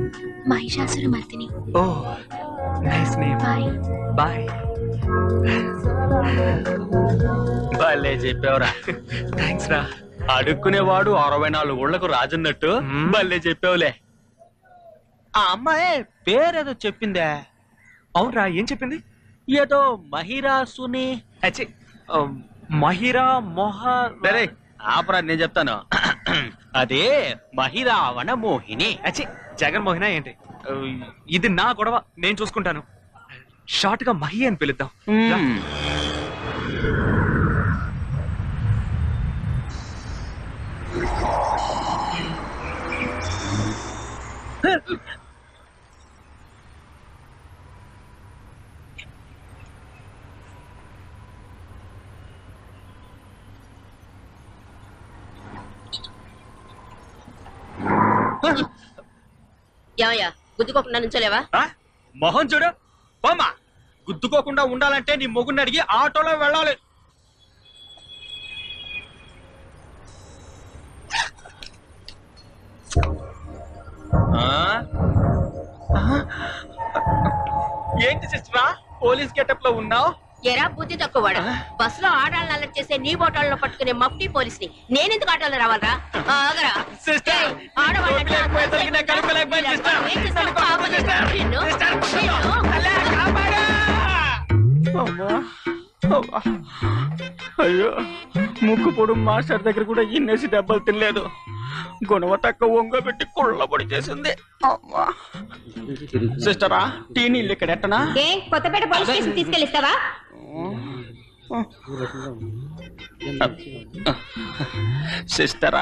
Mahishasuramardini. Oh nice name. Bye bye. భలే చెప్పావురా. Thanks రా. అడుక్కునేవాడు 64 ఊళ్ళకు రాజన్నట్టు భలే చెప్పావులే. ఆ అమ్మాయి పేరేదో చెప్పిందే. అవునరా, ఏం చెప్పింది? ఏదో మహిరాసుని. అచ్చి, మహిరా మొహ. సరే ఆపరా, నేను చెప్తాను. అదే మహిరావణ మోహిని. అచ్చి, జగన్మోహన ఏంటి? ఇది నా గొడవ, నేను చూసుకుంటాను. షార్ట్ గా మహి అని పిలుద్దాం. ఏమయ్యా గుద్దుకోకుండా నుంచోలేవా? మొహం చూడు పోమా. గుద్దుకోకుండా ఉండాలంటే నీ మొగుడిని అడిగి ఆటోలో వెళ్ళాలి. ఏంటి సిస్టరా పోలీస్ గెటప్ లో ఉన్నావు? ఎరా బుద్ధి తక్కువవాడు. బస్ లో ఆడాలను అలర్ట్ చేసే నీ బోటాలను పట్టుకునే మఫ్టీ పోలీస్ ని నేనెందుకు ఆటోలో రావాలరా? ఆగరా. సిస్టర్, అయ్యో, ముక్కు పొడు మాస్టర్ దగ్గర కూడా ఇన్నేసి దెబ్బలు తినలేదు. గుణవ తక్కువ వంగబెట్టి కుళ్ళబడి చేసింది. సిస్టరా, టీ నీళ్ళు ఇక్కడ ఎట్టనా? కొత్తపేట పోలీస్ స్టేషన్ తీసుకెళ్ళిస్తావా? సిస్టరా.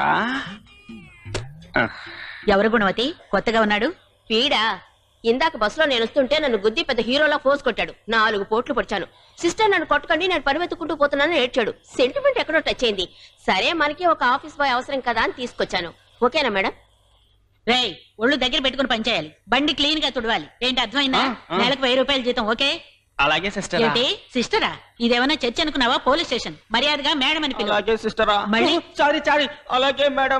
ఎవరు గుణవతి? కొత్తగా ఉన్నాడు పీడా. ఇందాక బస్సులో నేను వస్తుంటే నన్ను గుద్ది పెద్ద హీరోలా ఫోర్స్ కొట్టాడు. 4 పోట్లు పొడిచాను. సిస్టర్ నన్ను కొట్టకండి, నేను పరిమెత్తుకుంటూ పోతున్నానని ఏడ్చాడు. సెంటిమెంట్ ఎక్కడో టచ్ అయింది. సరే మనకి ఒక ఆఫీస్ బాయ్ అవసరం కదా అని తీసుకొచ్చాను. ఓకేనా మేడం? రేయ్, ఒళ్ళు దగ్గర పెట్టుకుని పనిచేయాలి. బండి క్లీన్ గా తుడవాలి. ఏంటి అర్థమైందా? నెలకు 1000 రూపాయలు జీతం. ఓకే? అలాగే సిస్టర్. ఏంటి సిస్టరా? ఇదేమన్నా చర్చ అనుకున్నావా? Police station. మర్యాదగా మేడం అని పిలువు. అలాగే సిస్టరా. మళ్ళీ సారీ. అలాగే మేడం.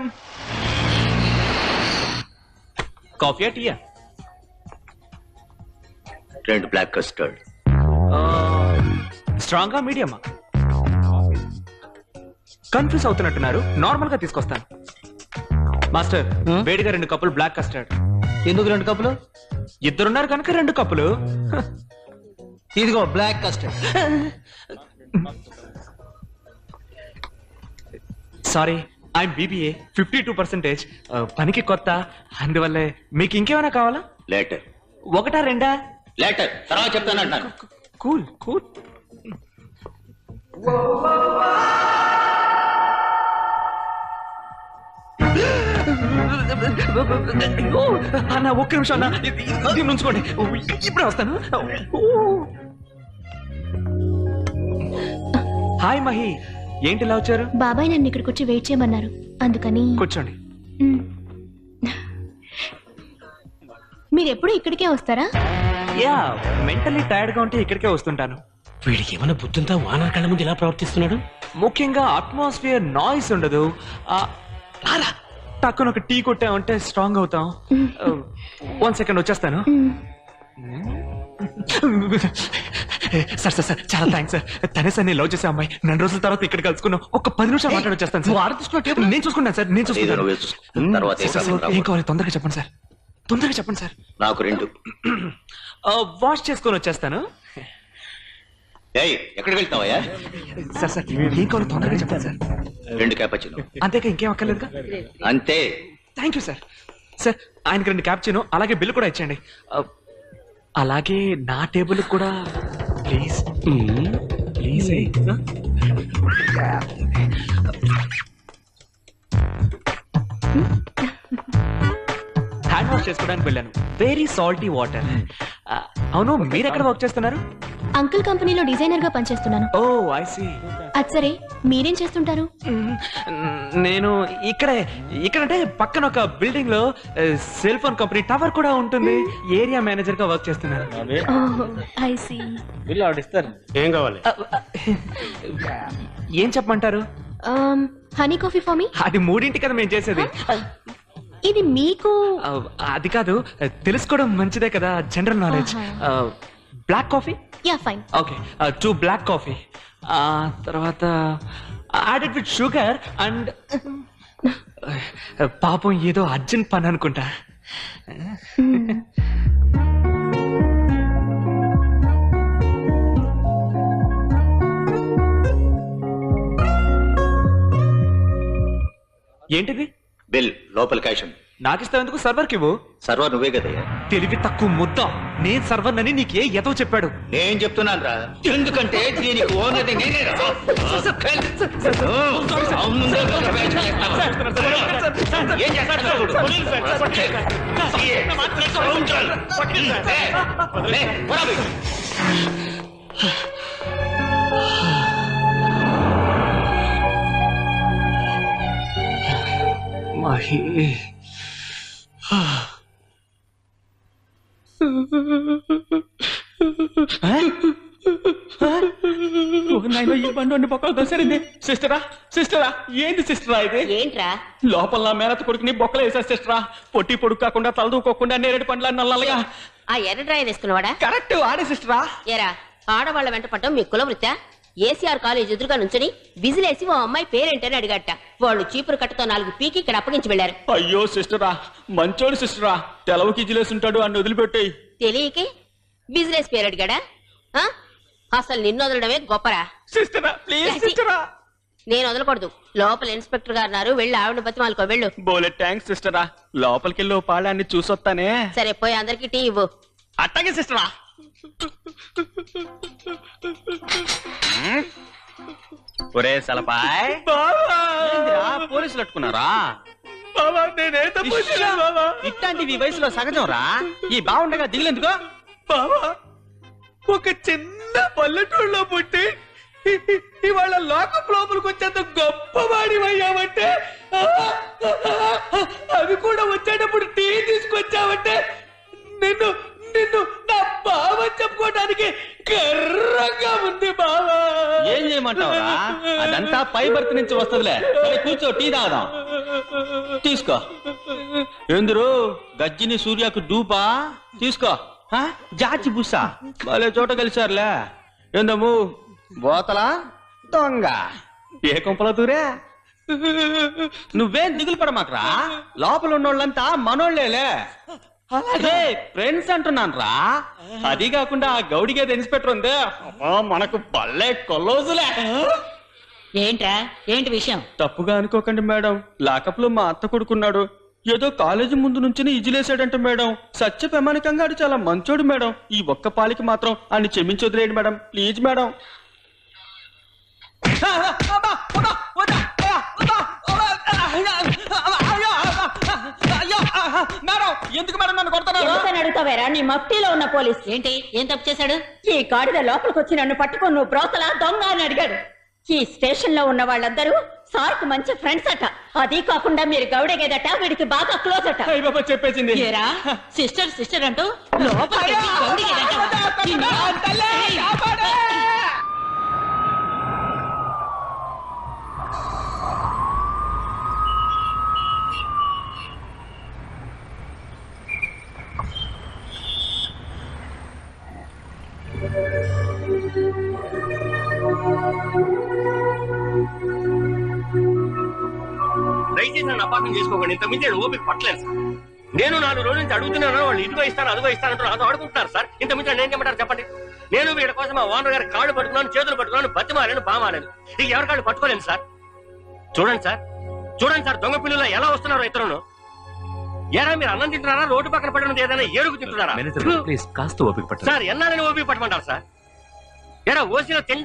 కాఫీయా టీయా? 2 బ్లాక్ కస్టర్డ్. స్ట్రాంగా మీడియమా? కన్ఫ్యూజ్ అవుతున్నట్టున్నారు, నార్మల్ గా తీసుకొస్తాను. మాస్టర్, వేడిగా 2 కప్పులు బ్లాక్ కస్టర్డ్. ఎందుకు 2 కప్పులు? ఇద్దరున్నారు కనుక 2 కప్పులు. ఇదిగో black custard. Sorry, I'm BBA, 52%. పనికి కొత్త, అందువల్లే. మీకు ఇంకేమైనా కావాలా? లేటర్. 1 2? లేటర్ తర్వాత చెప్తానంటాను. కూల్. అన్న, 1 నిమిషం అన్న, ఇది ఉంచుకోండి, ఇప్పుడే వస్తాను. హాయ్ మహి, ఏంటి ఇలా వచ్చారు? బాబాయ్ నన్ను ఇక్కడికి వచ్చి వెయిట్ చేయమన్నారు, అందుకని. కూర్చోండి. మీరు ఎప్పుడు ఇక్కడికే వస్తారా? యా, మెంటల్లీ టైర్డ్ గా ఉంటే ఇక్కడికే వస్తుంటాను. వీడికి ఏమైనా బుద్ధుంతా? వానర్ కళ్ళ ముందు ఇలా ప్రవర్తిస్తున్నాడు. ముఖ్యంగా అట్మాస్ఫియర్ నాయిస్ ఉండదు. రారా, టక్కున ఒక టీ కొట్టామంటే స్ట్రాంగ్ అవుతాం. 1 సెకండ్ వచ్చేస్తాను. సార్, చాలా థ్యాంక్స్ సార్. తనే సార్ నేను లవ్ చేసే అమ్మాయి. 2 రోజుల తర్వాత ఇక్కడ కలుసుకున్నాం. ఒక 10 నిమిషాలు మాట్లాడొచ్చేస్తాను సార్. నేను చూసుకున్నాను సార్, నేను చూసుకున్నాను. ఏం కావాలి తొందరగా చెప్పండి సార్, తొందరగా చెప్పండి సార్. నాకు 2. వాష్ చేసుకొని వచ్చేస్తాను. ఎక్కడికి వెళ్తావయ్యా? సార్ ఏం కావాలి తొందరగా చెప్పండి సార్. 2 క్యాపచినో. అంతేకా, ఇంకేం అక్కర్లేదుగా? అంతే. Thank you sir. సార్, ఆయనకి 2 క్యాప్చినో, అలాగే బిల్లు కూడా ఇచ్చండి. అలాగే నా టేబుల్ కూడా ప్లీజ్. ప్లీజ్. హ్యాండ్ వాష్ చేసుకోవడానికి వెళ్ళాను. Very salty water. అవును, మీరు ఎక్కడ వర్క్ చేస్తున్నారు? అంకుల్ కంపెనీలో డిజైనర్ గా పనిచేస్తున్నాను. Oh I see. అది సరే, మీరేం చేస్తుంటారు? నేను ఇక్కడంటే పక్కన ఒక బిల్డింగ్ లో సెల్ ఫోన్ కంపెనీ టవర్ కూడా ఉంటుంది. ఏరియా మేనేజర్ గా వర్క్ చేస్తున్నాను. I see. బిల్ ఆడిస్తారు. ఏం కావాలి? ఏం చెప్పమంటారు? Honey coffee for me. అది 3 కదా మేము చేసేది. ఇది మీకు అది కాదు, తెలుసుకోవడం మంచిదే కదా, general knowledge. Black coffee. Yeah fine. Okay, 2 black coffee. తర్వాత యాడెడ్ విత్ షుగర్ అండ్ పాపం ఏదో అర్జెంట్ పని అనుకుంటా. ఏంటిది? బిల్ లోపల క్యాష్ ఉంది. నాకు ఇస్తావు ఎందుకు? సర్వర్కి ఇవ్వు. సర్వర్ నువ్వే కదయ్యా. తెలివి తక్కువ ముద్ద. నేను సర్వర్ అని నీకే ఎదో చెప్పాడు. నేను చెప్తున్నాను రా, ఎందుకంటే దీనికి ఓనర్ నేనే రా. ముందే ఒక బ్యాచ్ చేస్తావా? ఏం చేస్తాడు చూడు. లే, పోరా బయటికి. మహి ఈ బండి బొక్కలు దసరింది. సిస్టరా సిస్టరా, ఏంది సిస్టరా ఇది? ఏంట్రా? లోపల నా మేనత కొడుకుని బొక్కలు వేసారు సిస్టరా. పొట్టి పొడుగు కాకుండా తలదూకోకుండా నేరేడు పండ్ల నల్లగా. ఆ ఎర్ర డ్రాయర్ వేసుకున్నవాడా? కరెక్ట్ ఆడే సిస్టరా. ఏరా, ఆడవాళ్ళ వెంట పట్టం మీ కులవృత్తా? ఏసీఆర్ కాలేజ్ ఎదురుగా నుంచుని విజిలేసి ఓ అమ్మాయి పేరేంటని అడిగట. వాళ్ళు చీపురు కట్టతో 4 పీకి ఇక్కడ అప్పగించి వెళ్లారు. అయ్యో సిస్టరా, మంచోడు సిస్టరా. తెలవకి జిలేసి ఉంటాడు, అన్ని వదిలిపెట్టాయి. తెలియకే బిజినెస్ పేరు అడిగాడా? ఆ? అసలు నిన్ను వదలడమే గొప్పరా. సిస్టరా ప్లీజ్ సిస్టరా. నేను వదలకూడదు. లోపల ఇన్స్పెక్టర్ గారు ఉన్నారు, వెళ్ళి ఆవిడ బతిమాలుకో వెళ్ళు. బోలే థ్యాంక్స్ సిస్టరా. లోపలికెళ్ళి పాడాన్ని చూసొస్తానే. సరే, పోయి అందరికి టీ ఇవ్వు. అట్టగే సిస్టరా. ఒరే సలపాయ్, పోలీసులు అట్టుకున్నారా? ఇట్లాంటివి వయసులో సహజం రా. ఈ బాగుండగా దిగులేందుకో. బావా, ఒక చిన్న పల్లెటూరులో పుట్టి ఇవాళ లోకం లోపలికి వచ్చేంత గొప్పవాడి అయ్యావంటే, అవి కూడా వచ్చేటప్పుడు టీ తీసుకొచ్చావంటే నిన్ను నిన్ను నా బావ చెప్పుకోవడానికి గర్వంగా ఉంది బావా. ఏం చేయమంటావా? అదంతా పై బర్త్ నుంచి వస్తుందిలే. కూర్చో, టీ తాగుదాం. తీసుకో. ఎందురు గజ్జిని సూర్యకు డూపా? తీసుకో. జాచి బుస్సా వాళ్ళే చోట కలిసారులే. ఏందమ్ము బోతలా దొంగ ఏ కొంపల దూరే? నువ్వేం దిగులు పడమాకరా. లోపల ఉన్నోళ్ళంతా మనోళ్లేలే. అలాగే ఫ్రెండ్స్ అంటున్నాను రా. అది కాకుండా ఆ గౌడిగేది ఇన్స్పెక్టర్ ఉందే, మనకు పల్లె కొల్లోజులే. ఏంట్రా, ఏంటి విషయం? తప్పుగా అనుకోకండి మేడం, లాకప్ లో మా అత్త కొడుకున్నాడు. ఏదో కాలేజీ ముందు నుంచి ఇజిలేసాడంట మేడం. సత్య ప్రమాణికంగా ఆడు చాలా మంచోడు మేడం. ఈ ఒక్క పాలికి మాత్రం అన్ని క్షమించొదిలేండి మేడం, ప్లీజ్ మేడం. మేడం, ఎందుకు మేడం నన్ను కొడతారు? అడుగుతావేరా, నీ మఫ్టీలో ఉన్న పోలీస్ ఏంటి, ఏం తప్పు చేశాడు? ఈ గాడిద లోపలికి వచ్చి నన్ను పట్టుకొని నువ్వు బ్రోతలా దొంగ అని అడిగాడు. ఈ స్టేషన్ లో ఉన్న వాళ్ళందరూ సార్ కు మంచి ఫ్రెండ్స్ అట. అది కాకుండా మీరు గౌడగేదట, వీడికి బాగా క్లోజ్ అట. చెప్పేసింది. సిస్టర్ సిస్టర్ అంటూ లోపలికి దయచేసి నన్ను అపార్థం చేసుకోకండి. ఇంతకుమించి నేను ఓపిక పట్టలేదు సార్. నేను 4 రోజుల నుంచి అడుగుతున్నాను, వాళ్ళు ఇదిగో ఇస్తాను అదిగో ఇస్తానంటూ నాతో ఆడుకుంటున్నారు సార్. ఇంతకుమించి నేను ఏం చెప్పంటారు చెప్పండి? నేను వీళ్ళ కోసం ఆ ఓనర్ గారి కాళ్ళు పట్టుకున్నాను, చేతులు పట్టుకున్నాను, బతిమాలను బామాలను. ఇక ఎవరి కాళ్ళు పట్టుకోలేను సార్. చూడండి సార్, చూడండి సార్, దొంగ పిల్లలు ఎలా వస్తున్నారో ఇతరులను. ఏరా మీరు అన్నం తింటున్నారా, రోడ్డు పక్కన పడినది ఏదైనా ఏడుగు తింటున్నారా? ప్లీజ్ కాస్త ఓపిక పట్టు సార్. ఎన్నాలని ఓపిక పట్టమంటారు సార్? ఏరా ఓసీలో